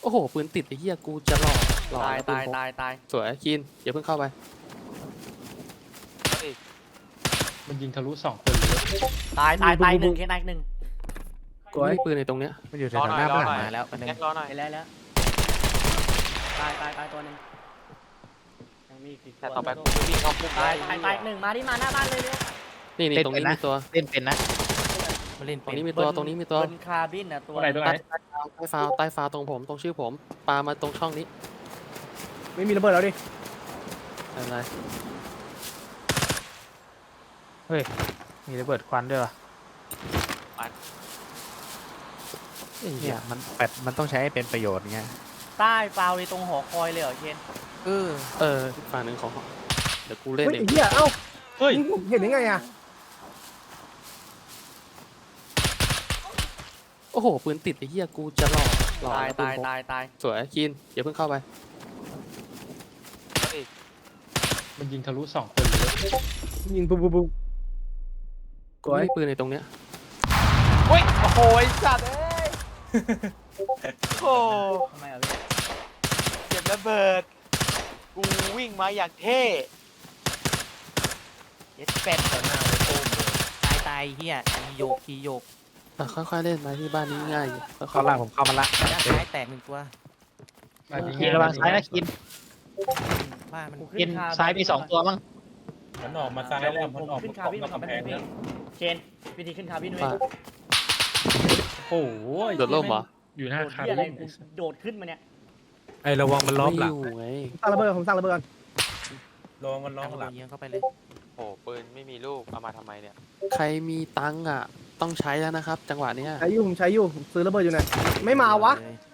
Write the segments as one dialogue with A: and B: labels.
A: อ้โหปืนติดไอ้เหี้ยกูจะหลอก
B: ตาย
A: แล้วปืน
B: ตาย
A: พก
B: ตายตาย
A: สวยคินอย่าเพิ่งเข้าไป
C: มันยิงทะลุ2คนเลย
B: ตายหนึ่งแค่นายหนึ่ง
A: กูไม่มีปืนในตรงเนี้ย
D: มันอยู่แถวๆหน้าบ้านมาแล้วมัน
E: แจ็ครอหน่อย
B: ไปแล้วตายตัวหนึ่งยังมีอีก
E: แต่ต่อไปกูจะวิ่งเข้าพุ่ม
B: ตายหนึ่งมาที่มาหน้าบ้านเลยเร็ว
A: นี่ตรงนี้มีตัว
D: เล่นเป็นนะ
B: มาเล่น
A: ตรงนี้มีตัวตรงนี้มีตัว
B: เบิ้ลคาร์บินนะตัว
C: ตรงไหน
A: ใต้ฟ้าตรงผมตรงชื่อผมปามาตรงช่องนี้
F: ไม่มีระเบิดแล้วดิ
A: อะไร
D: มีระเบิดควันด้วยวะเนี่ยมันต้องใช้ให้เป็นประโยชน์ไง
B: ใต้ฟาวเลยตรงหอคอยเลยเหรอเคน
A: อีกฝั่งหนึ่งของเดี๋ยวกูเล่น
F: เฮ้ย
A: เอ
F: ไอ้
A: ง
F: เหี้ยเอ้า
C: เฮ้ย
F: นี่ผมเห็นได้ไงอะ
A: โอ้โหปืนติดไอ้เหี้ยกูจะหลอก
B: ตาย
A: แล้วปืนพก
B: ตาย
A: สวยคินอย่าเพิ่งเข้าไป
C: มันยิงทะลุ2คนเลย
F: ยิงปุ๊บปุ๊บปุ๊บ
A: กูไม่มีปืนในตรงเนี้ย
E: เฮ้ยโอ้โหไอ้สัตว์เอ้ยโอ้
B: ทำไมอ่ะพี่
E: เก็บระเบิดกูวิ่งมาอย่างเท่
B: เย็ดเป็ดต่อหน้าเลยโป้งเลยตายเฮียทีโยก
A: ค่อยๆเล่นมาที่บ้านนี้ง่ายอยู่ค่
D: เข้า
A: อย
D: ล่างผมเข้ามาละ
B: ด้านซ้ายแตกหนึ่งตัว
D: กินระวังซ้ายนะกิน
B: บ้านมัน
D: กินซ้ายมี2ตัวมั้ง
G: มันออกมาซ้ายแล้วมันออก
B: ขึ้นคาร์บิน
G: มา
B: มา
G: กำแพง
B: พี่
G: เนี่ย
B: เคนวิธีขึ้นคาร์บิน
A: ๆ
B: ด้วย
A: ป่า
C: โอ้โห
A: โดดร่มเหรอ
C: อยู่หน้า
B: โดด
C: คา
B: ที่อะไร
C: บิน
B: กูโดดขึ้นมาเนี่ย
D: ไอ้ระวังมันล้อม
A: ไม่
D: หลั
A: อง ยู่ไง
F: สร้างระเบิดผมสร้างระเบิดก่อน
G: ลองมันลองหลัง
B: เยียงเข้าไปเลย
E: โอ้ปืนไม่มีลูกเอามาทำไมเนี่ย
A: ใครมีตังค์อ่ะต้องใช้แล้วนะครับ จังหวะเนี้ย
F: ใช้อยู่ผมใช้อยู่ผมซื้อระเบิดอยู่เนี่ยไม่มาวะ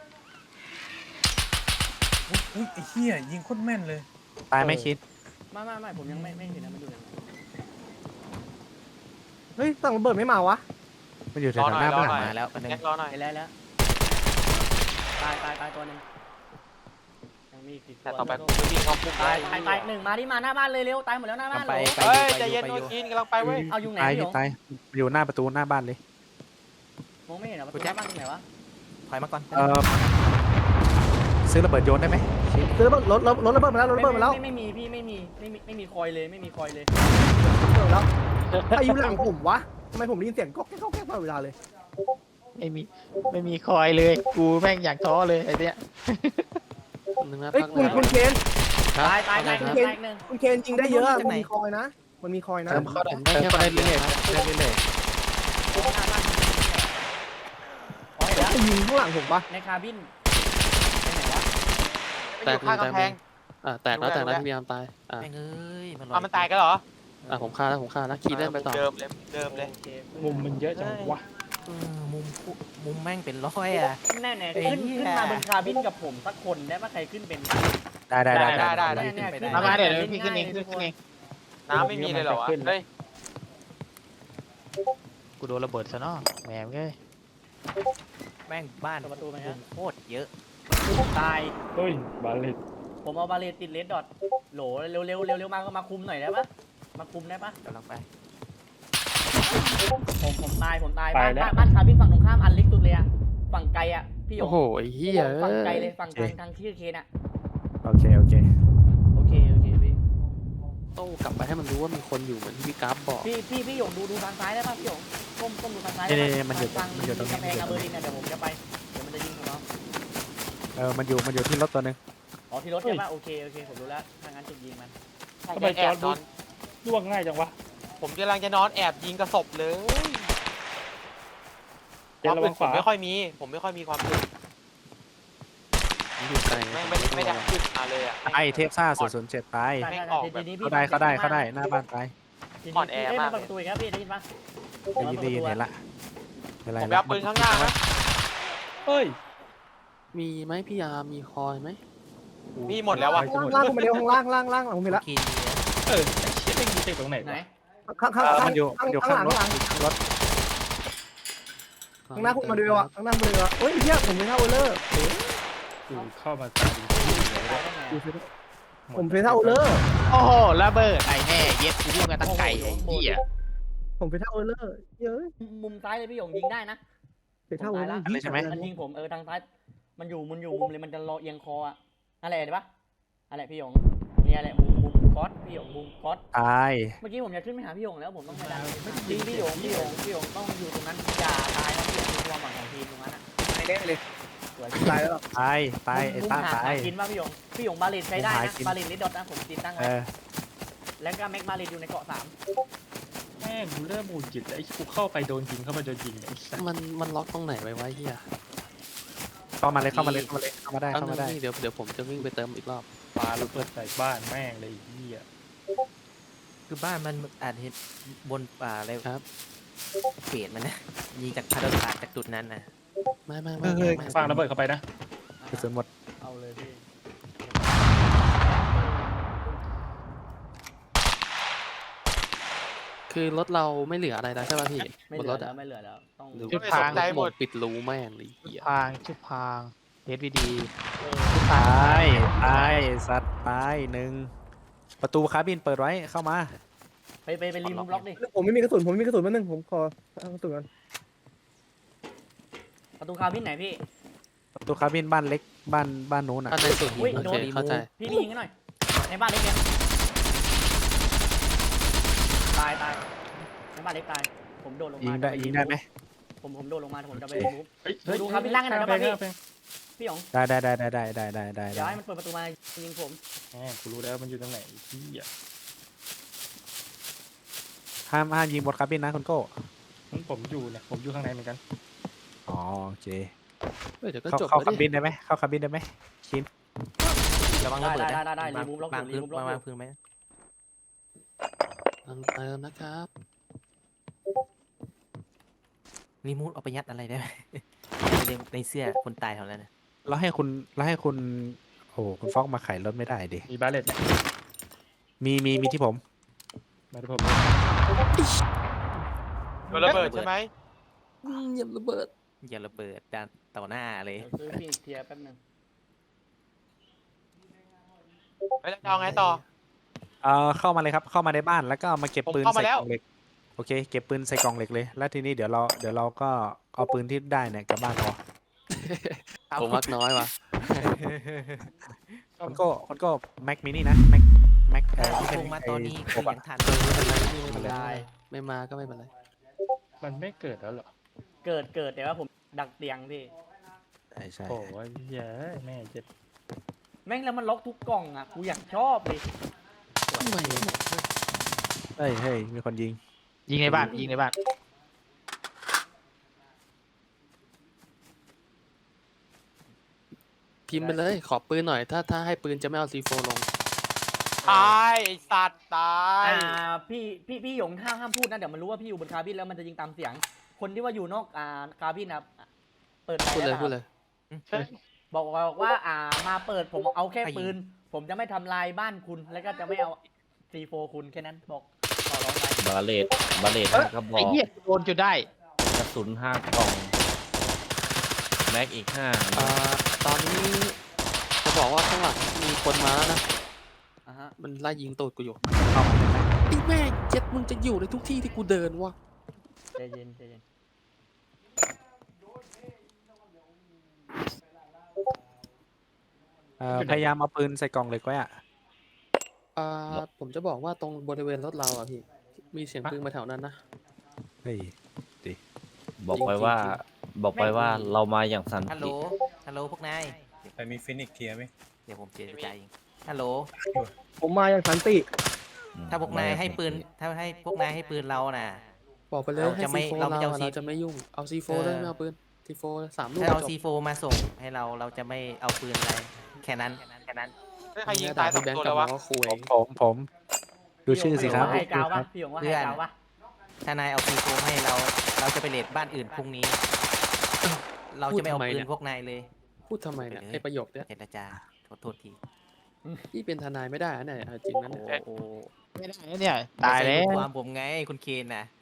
G: อุ้ยไอ้เหี้ยยิงโคตรแม่นเลย
D: ตายไม่คิด
B: ไม่ผมยังไม่เห็นนะมันอยู่ไหน
F: เฮ้ยสร้างระเบิดไม่มาวะ
D: มันอยู่แถวๆหน้าบ้านมาแล้วมัน
E: แจ็ครอหน่อย
B: ไปแล้วตายตัวหนึ่งยังมีอีก
E: แต่ต่อไปกูจะวิ่งเข้าพุ่ม
B: ตายหนึ่งมาที่มาหน้าบ้านเลยเร็วตายหมดแล้วหน้าบ้านเลย
E: เฮ้ยใจเย็นโน้กินกำลังไปเว้ย
B: เอาอยู่ไหน
D: ตาย
B: พี่หย
D: พี่
B: ง
D: ตายอยู่หน้าประตูหน้าบ้านเลย
B: มองไม่เห็นเหรอประตูหน้าบ้านตรงไหนวะถอยมาก่อน
D: ซื้อระเบิดโยนได้ไหม
F: ซื้อระเบิดรถระเบิดมาแล้วรถระเบิดมาแล้ว
B: ไม่มีพี่ไม่มีคอยเลยไม่มีคอยเลย
F: ระเบิดแล้วใครอยู่หลังผมวะทำไมผมได้ยินเสียงก๊อกแก๊กก๊อกแก๊กตลอดเวลาเลย
D: ไม่มีคอยเลยกูแม่งอยากท้อเลยไอ้เนี้ย
A: นึงนะ
F: เฮ้ย
A: พัก
F: คุณเคน
A: ครับ
B: ตายหนึ่ง
F: คุณเคนจริงได้เยอะมันมีคอยนะมันมีคอยนะ
A: ผมได้แค่
D: ได้
A: คนเดี
D: เรื่
A: ย
D: อยวๆได้เรื่อย
F: จะยิงข้างหลังผมปะ
B: ในคาบินไปไหนวะ
E: ไปอยู่ข้างกำแพง
A: แตกแล้วพี่พยายามตาย
B: แม่งเอ้ยมัน
E: มันตายกันเหรอ
A: ผมฆ่าแล้วคีเล่นไปต่อ
E: เดิมเลย
C: มุมมันเยอะจังวะ
B: มุมแม่งเป็นร้อยอ่ะแน่ๆขึ้นมาบนคาบินกับผมสักคนได้ปะใครขึ้นเป็น
D: ๆได้ มาเดี๋ยวพี่ขึ้นเองขึ้นเอง
E: น้ำไม่มีเลยเหรอวะเฮ้ย
D: กูโดนระเบิดซะเนาะแหมเอ้ย
B: แม่งบ้านประตูไหมฮะโคตรเยอะตาย
C: เฮ้ยบาเลต
B: ผมเอาบาเลตติดเลดดอทโหลเร็วมาก็มาคุมหน่อยได้ปะมาคุมได้ปะกำลังไปผมตายบ้านคาบินฝั่งตรงข้ามอันเล็กสุดเลยอะฝั่งไกลอะพี่หย
A: โอ้
B: ง
A: โหไอ้เหี้ย
B: ฝั่งไกลเลยฝั่งทางที่เคนอะ
D: โอเค
B: โอเคพี่
A: ต้องกลับไปให้มันรู้ว่ามีคนอยู่เหมือนที่พี่กราฟบอก
B: พี่หยงดูทางซ้ายได้ปะพี่หยงก้มดูทางซ้ายมันอยู่ตรงนี้กำแพงอาเบอร์ลินนะเดี๋ยวผมจะไปเดี๋ยวมันจะยิงผมเนาะ
D: มันอยู่ที่รถตัวนึง
B: อ๋อที่รถใช่ปะโอเคผมรู้แล้วถ้างั้นจุดยิงมัน
C: ทำไมจอร์ดล่วงง่ายจังวะ
E: ผมกำลังจะนอนแอบยิงกระสบเลย
C: เจนระวังข
E: ผม
C: วา
E: ไม่ค่อยมีความสุข
A: อยู่ไกล
E: ไม่ได้ขึ้นมาเลยอ่ะ
D: ไอเทพซ่า007ตายเขาได้หน้าบ้านตาย
B: มาประตูอีกครับพี่ได้ยินปะ
D: ได้ยินเห็นละ
E: ผมไปเอาปืนข้างหน้านะ
C: เฮ้ย
A: มีไหมพี่ยามีคอยไหม
E: มีหมดแล้ววะ
F: ล่างผมไปเร็วข้างล่างผมเห็นละ
B: กิน
C: เออไอ้เชี่ยเล่นยิงตรงไหน
B: ไหน
C: วะ
F: ข้างข้างหลังข้างหน้าคุณมาดูอ่ะข้างหน้ามาดูอ่ะเฮ้ยเฮียผมเป็นท่าโอเลอร์
C: กูเข้ามาตาย
F: ผมเป็นท่าโอเลอร์
D: โอ้โหระเบิดไอ้แน่เย็ดกูวิ่งมาตั้งไกลไอ้เหี้ย
F: ผมเป็นท่าโอเลอร์เยอะ
B: มุมซ้ายเลยพี่หยงยิงได้นะ
F: เป็นท่าโอเลอร์
D: เลยใช่ไหม
B: มันยิงผมทางซ้ายมันอยู่มุมเลยมันจะรอเอียงคออะอะไรเห็นปะอะไรพี่หยงเนี่ยอะไรมุมก๊อตพี่หยงมุมก๊อต
D: ตาย
B: เมื่อกี้ผมจะขึ้นไปหาพี่หยงแล้วผมต้องไปดันพี่หยงต้องอยู่ตรงนั้นอย่าตายนะพี่หยงคือความหวังของทีมตรงนั้นอะ
F: ไม่ได้เลย
B: สวย
F: ตายแล้ว
D: ตายตายไอ้ต้าตาย
B: กินว่าพี่หยงบาเลนใช้ได้
D: ผมหา
B: นะ
D: กิน
B: บาเลนลิดดอทนะผมติดตั้ง
D: เอ
B: ไว้
D: อ
B: แล้วก็แม็กบาเลนอยู่ในเกาะ
C: แม่งกูเริ่มหงุดหงิดแล้วไอ้กูเข้าไปโดนยิงเข้ามาโดนยิงไอ้สัส
A: มันล็อกตรงไหนไว้วะเฮีย
D: เข้ามาเลยเข้ามาได้เข้ามาได้
A: เอา
D: เข้ามาได้
A: เดี๋ยวผมจะวิ่งไปเติมอีกรอบ
C: ปาระเบิดใส่บ้านแม่งเลยไอ้เหี้ย
E: คือบ้านมันอาจเห็นบนป่าอะไร
A: ครับ
E: เปลี่ยนมันนะยิงจากพาราดาจากจุดนั้นนะ
A: ไม่ไม่
D: เฮ้ย
A: ไม่
C: ฟางระเบิดเข้าไปนะ
B: 3
D: กระสุนหมด
B: เอาเลยพี่
A: คือรถเราไม่เหลืออะไรแล้วใช่ป่ะพี่
B: ไม่
A: บน
B: เหลื
A: ร
B: อ
A: ถ
B: แล้
A: อะ
B: วไม่เหลือแล้วต้อง
A: หรือ
D: จุด
A: ว่า
D: ทาง
A: รถหมดปิดรูแม่งเลยเหี้ย
D: พางชุดพางเฮดวีดีตายตายสัตว์ตายหนึ่งประตูคาบินเปิดไว้เข้ามา
B: ไปรีมูฟล็อกดิ
F: ผมไม่มีกระสุนผมไม่มีกระสุนแป๊บนึงผมขอเอากระสุนก่อน
B: ประตูคาบินไหนพี่
D: ประตูคาบินบ้านเล็กบ้านนู้นอ่ะ
A: อันในสุด
B: อุ้ย
A: โอ
B: โด
A: เคน เข้าใจ
B: พี่ยิงกันหน่อยในบ้านเล็กเนี่ยตายในบ้านเล็กตายผมโดดลงมา
D: ยิงได้ยิงได้ไหม
B: ผมโดดลงมาผมจะไปรีมูฟ
C: เฮ้ย
B: ดูครับพี่ล่างกันหน่อยได้ปะพี่ พี่หยง
D: ได้
B: เดี๋ยวให้มันเปิดประตูมายิงผม
C: แม่งกูรู้แล้วมันอยู่ตรงไหนไอ้เหี้ย
D: ห้ามยิงบนคาบินนะคุณโก้
C: ผมอยู่เนี่ยผมอยู่ข้างในเหมือนกัน
D: อ๋อโอเค
A: เดี๋ยวก็
D: เข้า
A: จบ
D: เข้า
A: แล้ว
D: คาบิ
A: ดิ
D: นได้ไหมเข้าคาบินได้ไหมชิน
E: ระวังระเบิดนะ
B: ได้รีมูฟล็อก
E: วาง
B: รี
E: พื้น
B: มูฟล็อก
E: วางพื้นไหม
A: เติมนะครับ
E: รีมูฟเอาไปยัดอะไรได้ไหม ในเสื้อคนตายแถวนั้นนะ
D: แล้วให้คุณโอ้โหคุณฟอกมาไขรถไม่ได้ดิ
C: มีบาเลตเนี่ย
D: มีที่ผม
C: มาดูผม
H: โดนระเบิดใช่ไหม
A: เหยียบระเบิด
E: อย่าระเบิดด้านต่อหน้าเลย
B: เดี๋ยวซื้อพี่เคลียร์แป๊บนึง
H: แล้วจะเอาไงต่อ
D: เข้ามาเลยครับเข้ามาในบ้านแล้วก็มาเก็บปืน
H: ผมเข้ามา
D: ใส่
H: แล้
D: ก
H: ว
D: ล่องเหล็กโอเคเก็บปืนใส่กล่องเหล็กเลยแล้วทีนี้เดี๋ยวเราก็เอาปืนที่ได้เนี่ยกลับบ้านพอ
A: ผมมักน้อยว่ะ
D: มันก็แม็กมินี่นะแม็ก
E: ถ้าลงมาตอนนี้คือยังทัน
A: ไม่เป็นไร
B: ได้
A: ไม่มาก็ไม่เป็นไร
C: มันไม่เกิดแล้วเหรอ
B: เกิดแต่ว่าผมดักเตียงพี่
D: ใช่
C: โอ้ยเย้ยแม่เจ็บ
B: แม่งแล้วมันล็อกทุกกล่องอ่ะกูอยากชอบเลย
A: ทำไม
D: เฮ้ยมีคนยิง
I: ยิงในบ้านยิงในบ้าน
A: พิมพ์ไปเลยขอปืนหน่อยถ้าให้ปืนจะไม่เอาซีโฟลง
H: ตายไอ้สัตว์ตาย
B: พี่หยงห้ามพูดนะเดี๋ยวมันรู้ว่าพี่อยู่บนคาบินแล้วมันจะยิงตามเสียง คนที่ว่าอยู่นอกคาบินนะเปิดไฟ
A: พูดเลย
B: แล้ว
A: พูดเลย
B: บอกว่ามาเปิดผมเอาแค่ปืน ผมจะไม่ทำลายบ้านคุณแล้วก็จะไม่เอาซีโฟคุณแค่นั้นบอกต่อรองไป
J: บาเลต5 กระบอ
I: ไอ้
J: ก
I: เหี้ยโดนจนได้
J: กระสุน5 กล่อง แม็กอีก5
A: ตอนนี้จะบอกว่าข้างหลังมีคนมาแล้วนะ
B: อ่ะฮะ
A: มันไล่ยิงตูดกูอยู่
D: เข้ามาได้ไหม
A: ไอ้แม่งเจ็ดมึงจะอยู่ในทุกที่ที่กูเดินวะ
B: ใจเย็นใจเย็น
D: พยายามเอาปืนใส่กล่องเหล็กไว้อะ
A: ผมจะบอกว่าตรงบริเวณรถเราอะพี่มีเสียงปืนมาแถวนั้นนะ
D: เฮ้ย
J: บอกไปว่า เรามาอย่างสัน
E: ฮัลโหล
J: ติ
E: ฮัลโหลพวกนาย
G: ไปมีฟินิกเคลียร์ไหม
E: เดี๋ยวผมเจรจาเองฮัลโหล
F: ผมมาอย่างสันติ
E: ถ้าพวกนายให้ปืน ถ้าให้พวกนายให้ปืนเราน่ะ
A: บอกไปเลย
E: เรา
A: ให้
E: จะไม่
A: ซีโฟ
E: เรา
A: เรา
E: จะเอา
A: อะ
E: ซี
A: เราจะไม่ยุ่งเอาซีโฟเลยไม่เอาปืนซีโฟ3 ลูก
E: ถ้าเอา
A: จบ
E: ซีโฟมาส่งให้เราจะไม่เอาปืนอะไร แค่นั้น
H: ใครยิงตายสอง
A: แบง
H: ตัว
A: ค์กลั
H: แล้
A: บ
H: ว
A: มาว
H: ะ
A: ก็คุย
D: ผมดูชื่อสิครับ
B: ให้กาววะพี่หยงว่าให้กาววะ
E: ถ้านายเอาซีโฟให้เราจะไปเลดบ้านอื่นพรุ่งนี้ เราจะไม่เอาปืนพวกนายเลย
A: พูดทำไมเนี่ยไอประโยคเนี้ย
E: เจรจาโทษที
A: พี่เป็นทนายไม่ได้นะเนี่ยเอาจริงนะ
E: โอ้
A: เนี่ย
E: โห
I: ไม่ได้นะเนี่ยตายแล้ว
E: ความผมไงคุณเคนน่ะ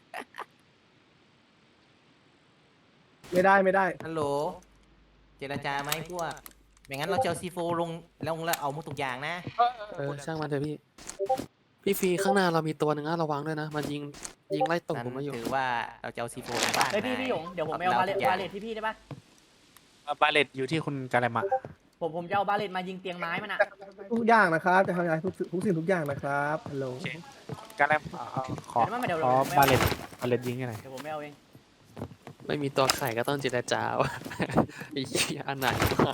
F: ไม่ได้
E: ฮัลโหล เจรจาไหมพวกไม่งั้นเราจะเอาซีโฟลงแล้วเอาหมดทุกอย่างนะ
A: ช่างมันเถอะพี่ฟรีข้างหน้าเรามีตัวหนึ่งนะระวังด้วยนะมันยิงไล่ตก
E: นั้น
A: ผมมาอยู่
E: ถือว่าเราจะเอาซีโฟลงบ้าน
B: เฮ้ยพี่หยงเดี๋ยวผมไปเอาวาเลทที่พี่ได้ปะ
D: บาเลตอยู่ที่คุณกาเลมะ
B: ผมจะเอาบาเลตมายิงเตียงไม้มันอ่ะ
F: ทุกอย่างนะครับจะทำงานทุกสิ่งทุกอย่างนะครับฮัลโหล
D: กาเลมขอ
B: เดี๋ยวมันเดี๋ยว
D: ขอ
B: ผม
D: บา
B: ไม่
D: เล
B: เอา
D: ตบาเลตยิงให้หน่อย
B: เดี๋ยวผมไม่เอาเอง
A: ไม่มีตัวไข่ก็ต้องเจรจาว่ะ ไอ้เหี้ยอันไหนไม่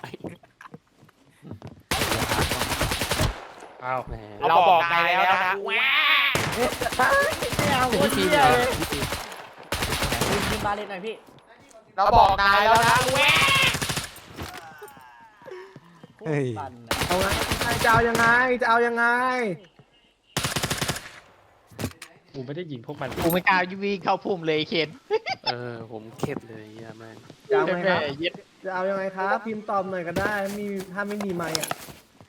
C: อ้าว
A: แหม
H: เราบอกนายแล้วนะ
B: ไม่เอา
A: แต่
B: คน
A: พี่ฟี
B: เดี
A: มี
B: ยว
A: อะไร
B: เลย
A: พี่ฟี
B: ยิงบาเลตหน่อยพี่
H: เราบอกนายแล้วนะ
D: เฮ้ย
B: ปั่น
F: เอาไงจะเอายังไงจะเอายังไง
C: กูไม่ได้ยิงพวกมัน
I: กูไม่กล้าวิ่งเข้าพุ่มเลยเคน
A: ผมเข็ดเลยเหี้ยแม่ง
F: จะเอาไหมครับ
I: เย็ด
F: จะเอายังไงครับพิมพ์ตอบหน่อยก็ได้ถ้าไม่มีไมค์อ่ะ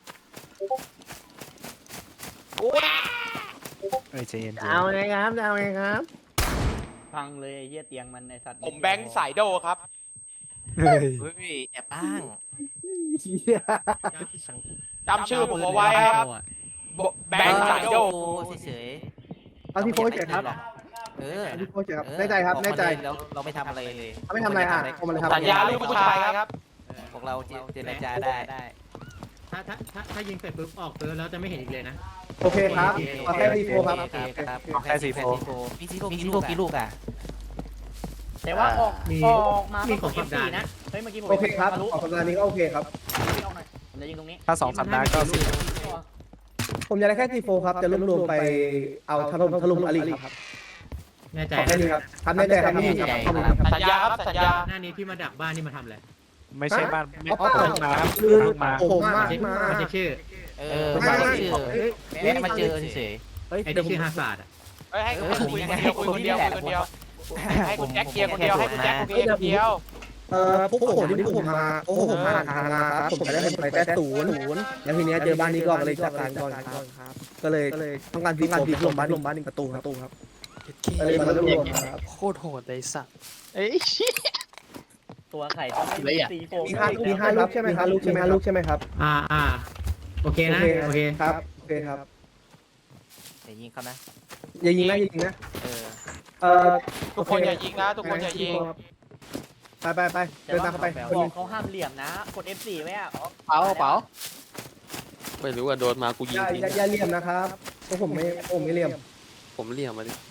D: เอ้ยใจเย็น
F: จะเอาไงครับจะเอาไงครับ
B: พังเลยไอ้เหี้ยเตียงมันไอ้สัตว์
H: ผมแบงค์สายโดครับ
D: เฮ้ย
E: เฮ้ยแอบอ้าง
F: เหี้ย
H: จำชื่อผมเอาไว้ครับแบงค์สายโด
E: เฉย
F: เอาที่โฟร์เฉยครับ
E: เออ
F: เอาที่โฟร์เฉยครับแน่ใจครับแน่ใจ
E: แล้วเราไม่ทำอะไรเลย
F: เขาไม่ทำอะไรอ่ะเอามาเลยครับ
H: สัญญาลูกผู้ชายครับ
E: พวกเราเจรจาได้
I: ถ้ายิงเสร็จปุ๊บออกเติร์แล้วจะไม่เห็นอีกเลยนะ
F: โอเคครับเอาแค่ที่โฟร์ครับ
E: โอเคครับ
D: แค่สี่โฟ
E: มีซีโฟกี่ลูกอ่ะ
B: แต่ว่าออก
I: มี
B: ออกมา
I: มี
B: มี
I: ของสัปดาห์
B: นะเฮ้ยเมื่อกี้ผม
F: โอเคครับ
B: ทะลุ
F: ออกสัปดาห์นี้ก็โอเคครับ
B: พี่เอาหน่อยผมจะยิงตรงนี้
D: ถ้า2 สัปดาห์ก็สี่
F: ผมจะได้แค่ที่โฟร์ครับจะรวบไปเอาถล่มอลิครับ
I: แน่ใจ
F: ขอแค่นี้ครับทำแน่ใจครับไม่มีครับ
H: สัญญาครับสัญญา
I: หน้านี้ที่มาดักบ้านนี่มาทำอะไร
D: ไม่ใช่บ้านไม่
F: เอา
D: เพิ่งมาครับ
F: คือ
D: เพิ่งมา
F: ผมมา
I: มันจะชื่อ
E: เออมาเจอแม่มาเจอเฉย
F: เฮ้ย
I: ไอ้
F: เดี๋ยว
I: ที่
F: ผม
I: ชื่อฮาซาร์ดอ่ะ
H: เฮ้ยให้คุยคนเดียวคุยคนเดียวคุยคนเดียวให้คุณแจ็คเคลียร์คนเดียวให้คุณแจ็คเคลียร์คนเดียว
F: พวกผมที่ผมมาผมมาทางครับผมจะได้ไปแต่ศูนย์แล้วทีเนี้ยเจอบ้านนี้ก่อนเลยจัดการก่อนครับก็เลยต้องการที่ลงบ้านหนึ่งประตูครับก็เลยมารวมครับ
A: โคตรโหดเลยสัตว์
I: เอ้ย
B: ตัวไข่ต้อง
I: เลยอะ
B: ตีโฟ
F: มีห้าลูกใช่ไหมครับลูกใช่ไหมครับ
I: โอเคนะโอเค
F: ครับโอเคครับ
E: ๆอย่ายิงเขานะ
F: อย่ายิงนะ
E: เออ
H: ทุกคนอย่ายิงนะทุกคนอย่ายิง
F: ไปเดินตามเข้าไป
B: บอกเขาห้ามเหลี่ยมนะ กด F4 ไว้อะ
I: เป๋าเป๋า
A: ไม่รู้ว่าโดนมากูยิงทิ้ง
F: อย่าเหลี่ยมนะครับเพราะผมไม่เหลี่ยม
A: ผมเหลี่ยมมาดิ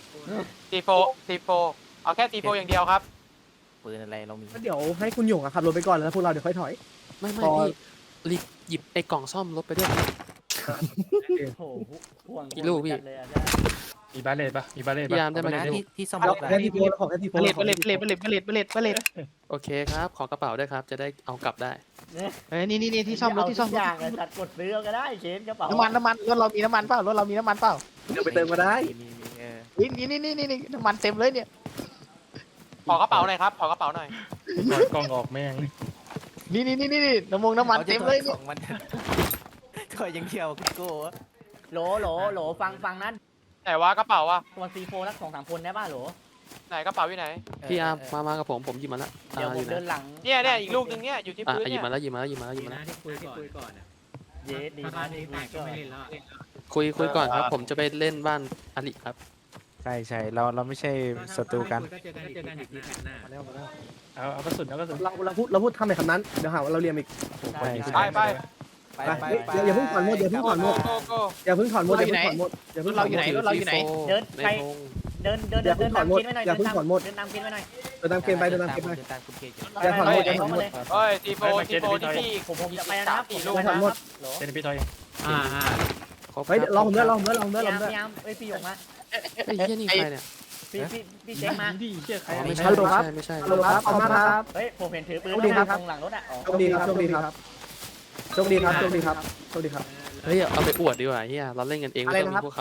H: C4 เอาแค่ C4 อย่างเดียวครับ
E: ปืนอะไรเรามี
F: เดี๋ยวให้คุณหยงขับรถไปก่อนแล้วพวกเราเดี๋ยวค่อยถอย
A: ไม่
F: พอ
A: พี่รีบหยิบไอ้กล่องซ่อมรถไปด้วย
B: โอ้โหห่วง
A: กี่ลูกพี่
B: จัดเลยอะ
C: มีบาเลตปะมีบาเลต
A: พี่
C: ปะ
A: ยามได้ไหม
E: นะ
A: พี่
E: ที่ซ่อม
F: เอา
E: รถ
F: แค่ที่โพสของแค่ที่โพส
I: เบลเลต
A: โอเคครับ ขอกระเป๋าด้วยครับ จะได้เอากลับได้
I: เอ้ยนี่ที่ซ่อมรถที่ซ่อม
B: เาทุกอย่างอะจัดกดซื้อเอาก็ได้เชนกระเป๋า
I: น้ำมันรถเรามีน้ำมันเปล่ารถเรามีน้ำมันเปล่า
F: เดี๋ยวไปเติมก็ได้
I: นี่น้ำมันเต็มเลยเนี่ย
H: ขอกระเป๋าหน่อยครับขอกระเป๋าหน่อย
C: ถอดกล้องออกแม่ง
I: นี่น้ำมันเต็มเลย
E: ของมันก็ยังเที่ยวโก้
B: โหลฟังนั้น
H: ไหนวะกระเป๋าอะ
B: ตัว C4 รัก2-3 คนได้ป่ะโหล
H: ไหนกระเป๋าอยู่ไหน
A: พี่อาร์มมากับผมหยิบมาแล้ว
B: เดี๋ยวผม
A: อยู่ไหน
B: เดินหลัง
H: เนี่ยอีกลูกนึงเนี่ยอยู่ที่พื้น
A: หยิ
H: เนี่
A: บ
H: ย
A: มาแล้วหยิบมาแล้ว
I: ที่คุยก่อน
B: เย็ดดี
I: ถ้า
B: นะ
I: นี้แตกก็ไม่เล่นแล้ว
A: คุยก่อนครับ ผมจะไปเล่นบ้านอลิครับ
D: ใช่เราไม่ใช่ศัตรูกัน
I: ก็เจอกันอีกทีแผ่นหน้า
C: เอากระสุนเอากระสุน
F: เราพูดทำในคำนั้นเดี๋ยวหาว่าเราเรียมอีก
D: ใช่
H: ไป
F: อย่าเพิ่งถอนหมดอย่าเพิ่งถอนหมด
H: โก้
F: อย่าเพิ่งถอนหมดอย่าเพิ่งถอนหมดอย่า
I: ร
F: เพิ่
I: ถ
F: งถ
I: เรา
F: อน
I: อยู่ไหนรถเราอยู่ไหน
B: เดิน
A: ใน
B: ไป
A: พง
B: เดิน
F: อย่าเพิ่งถอนหมด
B: เดินตาม
F: อย่าเพิ่งถอนหมด
B: เดินตามกินไว้หน่อย
F: เดินตามเกมไปเดินตามเกมไป
E: ตามคุณเคอยู่
F: อย่าถอนหมดอย่าถอนหมด
H: เฮ้ย C4 ที่พี่
B: ผมจะไปแล้วนะครับ
H: 4 ลูก
F: อย่าถอนหมด
B: โหล
C: เป็นพี่ทอย
A: ครบ
F: เฮ้ย
A: ครับ
F: รอผมด้วย
B: พี่ยามเอ้ยพี่หยงมา
A: ไอ้เหี้ยนี่ใครเนี่ย
B: พี่เจ๊งมา
C: ดีเชี่ยใคร
A: อ๋อไม่ใช่
F: ฮัลโหลครับ
A: ไม่ใช่
F: ฮัลโหลครับขอบคุณครับ
B: เฮ้ยผมเห็นถือปืน
F: โชคดีครับ
B: ตรงหลังรถอ่ะ
F: โชคดีครับโชคดีครับโชคดีครับโชคดีครับโชคดีครับ
A: เฮ้ยเอาไปอวดดีกว่าเฮียเราเล่นกันเองไม่ต้องมีพวกเขา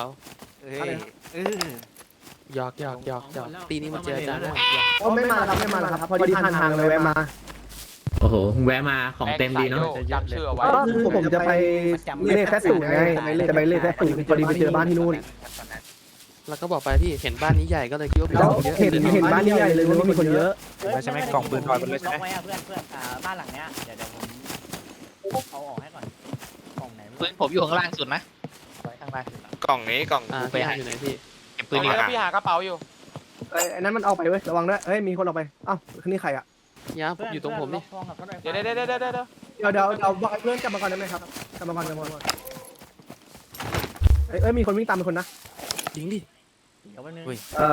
A: หยอกตีนี้มาเจอกันนะ
F: โอ้ไม่มาแล้วครับพอดีผ่านทางเลยแวะมา
I: โอ้โหแวะมาของเต็มดีเนาะ
H: จำชื่อเอาไว้
F: ก็คือผมจะไปเลขแค่ศูนย์ไงจะไปเลขแค่ศูนย์พอดีไปเจอบ้านที่นู่น
A: แล้วก็บอกไปพี่เห็นบ้านนี้ใหญ่ก็เลยคิดว่ามี
F: แล้ว
A: คนเยอะ
F: เห็นบ้านใหญ่เลยว่ามีคนเยอะ
D: ใช่ไหมกล่องปืนถอดไปเลยใช่ไหม
B: ล็อกไว้อะเพื่อนบ้านหลังเนี้ยเดี๋ยวผมเอาออกให้ก่อนกล่องไหน
I: ปืนผมอยู่ข้างล่างสุดนะข้างล่าง
H: กล่องนี้กล่อง
A: พี่อาร์มอยู่ไหนพี่
I: เก็บ
H: ปื
I: ปื
H: น
I: น
H: นี้
I: ดีกว่า
H: พี่หากระเป๋าอยู่
F: ไอ้นั้นมันออกไปเว้ยระวังด้วยเฮ้ยมีคนออกไปอ้าวนี่ใครอ่ะ
A: ยาผมอยู่ตรงผมนี่
B: ล็อกทองกับรถไฟฟ้า
H: เดี๋ยว
F: เดี๋ยวบอกให้เพื่อนกลับมาก่อนได้ไหมครับกลับมาก่อนเอ้ยมีคนวิ่งตามเป็นคนนะ
A: ยิงดิ
B: เดี๋ยวแป๊บนึง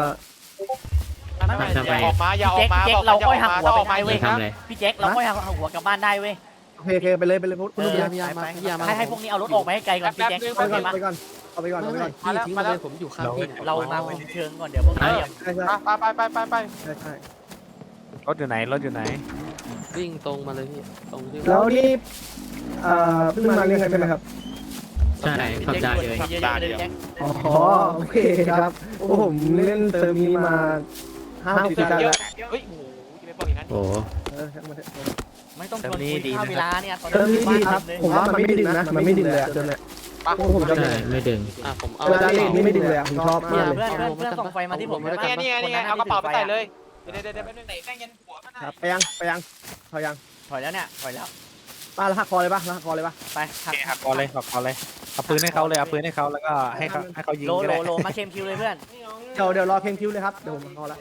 H: ไม่อย่าออกมาอย่าออกมา
B: พี่
H: บ
B: แจ็
H: อก
B: คเรา
H: อย่าอ
B: ค่อย
H: อก
B: หัก
H: มา
B: หัว
H: ถ้าออกมายิงนะ
B: ไปท้ายเว้ยพี่แจ็คเราค่อยหักหัวกลับบ้านได้เว้ย
F: โอเคไปเลยพวกคุณ
A: พยายามมาพยายามมา
B: ให้พวกนี้เอารถออกไปให้ไกลก่อนพี่แจ็ค
F: ไปก่อน
B: มา
F: ไปก่อนเอาไปก่อน
A: ไม่
F: เอาไป
A: ไม่
F: ก่อน
A: พี่ทิ้งมาเลยผมอยู่ข้างพี่นี่ย
B: เรามาคุมเชิงก่อนเดี๋ยวพวกนี้
F: ใช่ใช่
H: ไป
F: ใช่
D: รถอยู่ไหนรถอยู่ไหน
A: วิ่งตรงมาเลยพี่ตรงที่
F: แล้วนี่เพิ่งมาเรียนใช่ไหมครับ
I: ใช่ขับได้เลย
B: เยอะๆเลยพี่แจ็ค
F: อ๋อโอเคครับโอ้ผมเล่นเติมนี้มา5-6 ปีแล้ว
H: เฮ้ยโอ้โหจะไปบอกอย่างนั้น
I: โอ้
F: ช่างมันเถอะ
B: ไม่ต้องชวนคุยข้าวเวลาเนี่ยตอน
F: เติมนี้ดีครับ
B: เลย
F: ผมว่ามันไม่ดึงนะมันไม่ดึงเลยอะเติมเนี่ยผมชอบ
I: ใช่ไม่ดึง
A: ผมเอา
F: เวลาเล่นนี่ไม่ดึงเลยอะผมชอบมากเลย
B: เพื่อนส่งไฟมาที่ผม
H: นี่ไงเอากระเป๋าไปใส่เลยเดี๋ยวแป๊บนึงไหนแม่งยันหัวมัน
F: ครับไปยังพอยัง
B: ถอยแล้วเนี่ยถอยแล้ว
F: ป้าแล้วหักคอเลยป่ะแล้วหักคอเลยป่ะ
B: ไปหัก
D: หักคอเลยหักคอเลยเอาปืนให้เขาเลยเอาปืนให้เขาแล้วก็ให้เขายิง
B: โล
D: ก็
B: โล
D: ได้
B: โลมาเคมคิวเลยเพื่อน
F: เดี๋ยวรอเพลงคิวเลยครับเดี๋ยวผมหักคอแล้ว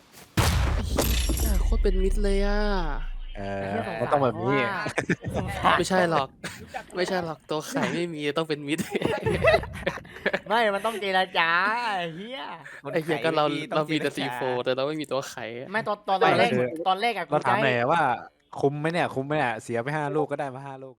A: โคตรเป็นมิตรเลยอ่ะ
D: มันต้องแบบนี้
A: ไม่ใช่หรอกไม่ใช่หรอกตัวไข่ไม่มีต้องเป็นมิตร
B: ไม่มันต้องเจรจาเฮีย
A: ไอ้เหี้ยก็เรามีแต่C4แต่เราไม่มีตัวไข่
B: ไม่ตอนแรกอะ
D: เราถามหน่อยว่าคุ้มไหมเนี่ยเสียไป5 ลูกก็ได้มา5 ลูก